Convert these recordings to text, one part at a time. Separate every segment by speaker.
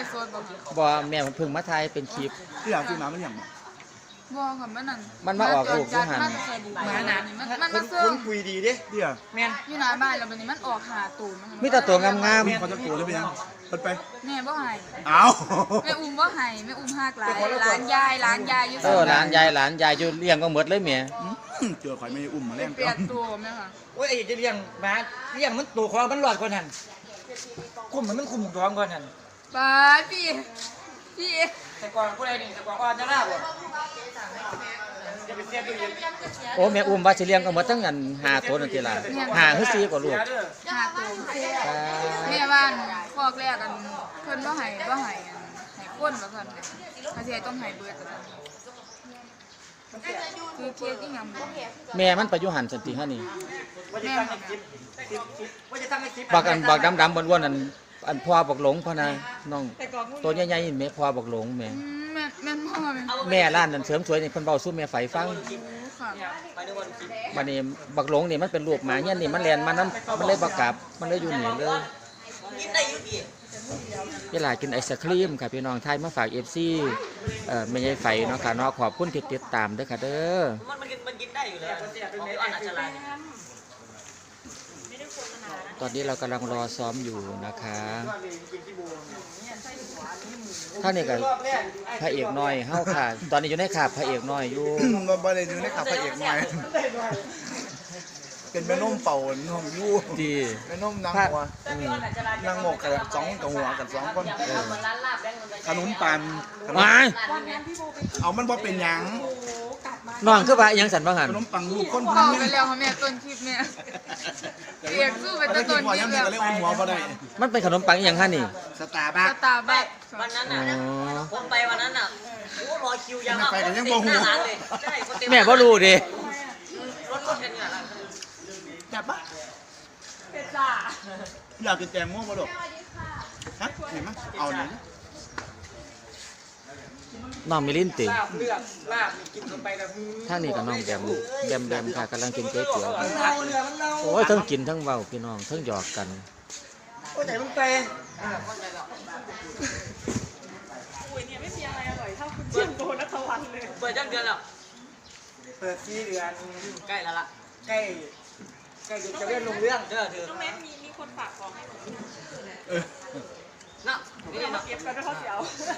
Speaker 1: ฟ์สดบ่ค่ะ
Speaker 2: บ่แม่เพิ่งมาถ่ายเป็นคลิป
Speaker 3: ที่อยากซื้อน้ำมันอย่าง
Speaker 1: บ่ค่ะมันนั่น
Speaker 2: มันมาออกลูกอยู่หั่น
Speaker 1: มันเคยบุกมาหนานี่มันมา
Speaker 4: คน
Speaker 1: เสื่อ
Speaker 4: ค
Speaker 1: ม
Speaker 4: นคุยดีดิ
Speaker 3: เดี๋ยว
Speaker 4: แม่น
Speaker 1: อยู่หน้าบ้านแล้วบัดนี้มันออกหาตูน
Speaker 2: มีแต่ตัวงาม
Speaker 3: เขาจะโกรธหรือเป็นยังเปิดไป
Speaker 1: แม่บ่ให้
Speaker 3: อ้าว
Speaker 1: แม่อุ้มบ่ให้แม่อุ้มหักหลายหลานยอยู่
Speaker 2: ๆหลานยายอยู่เลี้ยงก็หมดเลยแม่
Speaker 3: เจอข่อยไม่อุ้มมาแรง
Speaker 1: เปลี่ยนตัวแม่ค่ะ
Speaker 4: โอ้ยไอ้จะเลี้ยงหมาเลี้ยงมันตัวของมันหลอดก่อนหั่นคุมมันคุมท้องก่อนหั่น
Speaker 1: ป้าพี่
Speaker 4: แต่ก่อนผู้ใดนี่แต่ก่อนอ่อนจะลาบ่จะไปเสียตัวเอง
Speaker 2: โอ้แม่อุ้มว่าสิเลี้ยงก็หมดทั้งอัน5ตัวนั่นติล่ะ5คือ4กว่าลูก
Speaker 1: หาตูแม่บ้านคอกแรกกันเพิ่นบ่ให้ให้คนว่าซั่นเขาสิต้องให้เบิดว่าซั่นคือเคสอีหยังบ่
Speaker 2: แม่มันไปอยู่หั่นสันติฮะนี่
Speaker 4: ว่าจะตั้งคลิปว่าจะตั้งคลิป
Speaker 2: บักดำๆอ้วนๆอันพ่อบักหลงพ่อนะน้องตัวใหญ่ๆนี่แม่พ่อบักหลงแม่
Speaker 1: แม่นพ่อแม่
Speaker 2: แม่ร้านนั้นเสริมสวยนี่เพิ่นเว้าสู่แม่ไฝฟัง
Speaker 1: ค่ะ
Speaker 4: ไปดูวันคลิป
Speaker 2: บัดนี้บักหลงนี่มันเป็นลูกหมาเงี้ยนี่มันแล่นมานํมันเลยบ่กลับมันเลยอยู่นี่เลย
Speaker 4: กินได้อยู่ดี
Speaker 2: เวลากินไอศครีมค่ะพี่น้องไทยมาฝาก FC แม่ใหญ่ไฝเนาะค่ะเนาะขอบคุณที่ติดตามเด้อค่ะเด้อ
Speaker 4: มันกินได้อยู่แล้วเสียเป็นเมลอนอัจฉริยะ
Speaker 2: ตอนนี้เรากำลังรอซ้อมอยู่นะคะท่านนี่ก็พระเอกน้อยเฮาค่ะ ตอนนี้อยู่ในขาบพระเอกน้อยอยู่
Speaker 3: บ่ได้ดูในขับพระเอกใหม่เป็นแม่นมเป่าน้องยู่
Speaker 2: ดี
Speaker 3: แม่นมนางหัวนางหมกกับสองกับหัวกับสองคนขนมปัง
Speaker 2: มา
Speaker 3: เอามันบ่เป็นหยัง
Speaker 2: น้องคือว่าอิหยังสันบ่หัน
Speaker 3: ขนมปังลูกคน
Speaker 1: พ่อไปแล้วค่ะแม่ต้นคลิปแม่เรียกสู้ไป
Speaker 3: แต่
Speaker 1: ต้น
Speaker 3: พอ
Speaker 1: คลิ
Speaker 3: ยัง
Speaker 1: ป
Speaker 3: มี
Speaker 1: แล้ว
Speaker 3: ก็เลยอุ้มหัวบ่ได้
Speaker 2: มันเป็นขนมปังอิหยังฮะนี่
Speaker 3: สตาร์บัค
Speaker 1: สตาร์บัค
Speaker 5: วันนั้น
Speaker 2: อ๋
Speaker 5: น่ะ
Speaker 2: อ
Speaker 5: ผมไปวันนั้นน่ะโอ้รอคิวยาว
Speaker 3: ไปกันยังบ่หู
Speaker 5: หน้าร้านเลยใช่คนเต็ม
Speaker 2: แม่บ่รู้ดิ
Speaker 5: รถกันเนี่ยร้าน
Speaker 3: แบบปะอยากกินแตงโมบ่ดอกฮะเห็นมั้ยเอาหน่อย
Speaker 2: น้องมิลินติ
Speaker 4: ลาบเลือดลาบกินลงไปแล้ว
Speaker 2: ท่างนี้กับน้องแบมค่ะกำลังกินก๋วยเตี๋ยว
Speaker 4: มันเน่าเลยมันเน่า
Speaker 2: โอ้ยทั้งกินทั้งเว้าพี่น้องทั้งหยอกกัน
Speaker 4: โอ้ยใจมันไป
Speaker 5: เปิดจังเดือนแล้ว
Speaker 4: เปิด4 เดือน
Speaker 5: ใกล้แล้วล่ะ
Speaker 4: ใกล้จะเลื่อนลงเรื่อง
Speaker 5: เด้อเธอ
Speaker 6: น้องแม่มีคนฝากของให้หนู
Speaker 5: น่ะนี่เนาะ
Speaker 6: เก็บกันด้วยเขาเสียว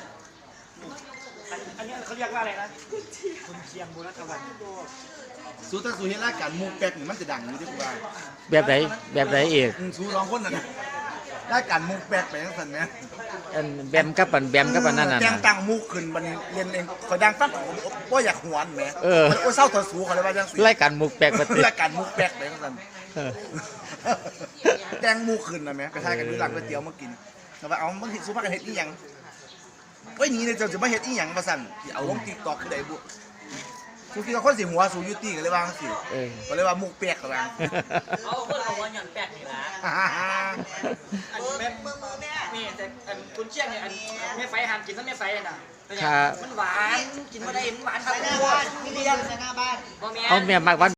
Speaker 4: อันนี้เขาเรียกว่าอะไรนะคุณเชียงบุรวัน
Speaker 3: สู้ถ้าสู้เฮ็ดรายการมุกแป๊กนี่มันจะดังอยู่ที่กูว่า
Speaker 2: แบบไหนเอก
Speaker 3: สู้ร้องคนน่ะนะรายการมุกแป๊กไปจังซั่นแหม
Speaker 2: อันแบมกับอันนั่นน่ะ
Speaker 3: แกงตั้งมุกขึ้นมันเรียนเองข่อยดังฟังบ่อยากหวนแหม
Speaker 2: เออ
Speaker 3: โอ้ยเศร้าถอดสูเขาเลยว่าจังซี่
Speaker 2: รายการมุกแปลกปฏิ
Speaker 3: รายการมุกแป๊กไปจังซั่น
Speaker 2: เออ
Speaker 3: แกงมุกขึ้นน่ะแหมไปทายกันดูหลังก๋วยเตี๋ยวมากินแต่ว่าเอาบางทีสู้พากันเฮ็ดอีหยังเอ้ยนี่เนี่ยเจ้าจะมาเฮ็ดอีหยังว่าซั่นสิเอาลง TikTok คือใดบุสู้ที่คนสิหัวสู้ยูตี้ก็เลยว่าจังซี่
Speaker 2: เออ
Speaker 3: ก็เลยว่ามุกแป๊กก็ว่า
Speaker 5: เอาเพื่อนเอาวันหย่อนแปดนี่ละ
Speaker 4: อันแม่มือแม่นี่แต่อันคุณเชียงเนี่ยอันแม่ไฟหันกินแล้วแม่ไฟน่ะ
Speaker 2: ค่ะ
Speaker 4: มันหวานกินมาได้มันหวานครับทุกคนนี่เรียน
Speaker 5: บ่แม่
Speaker 2: เอาแม่มากวัน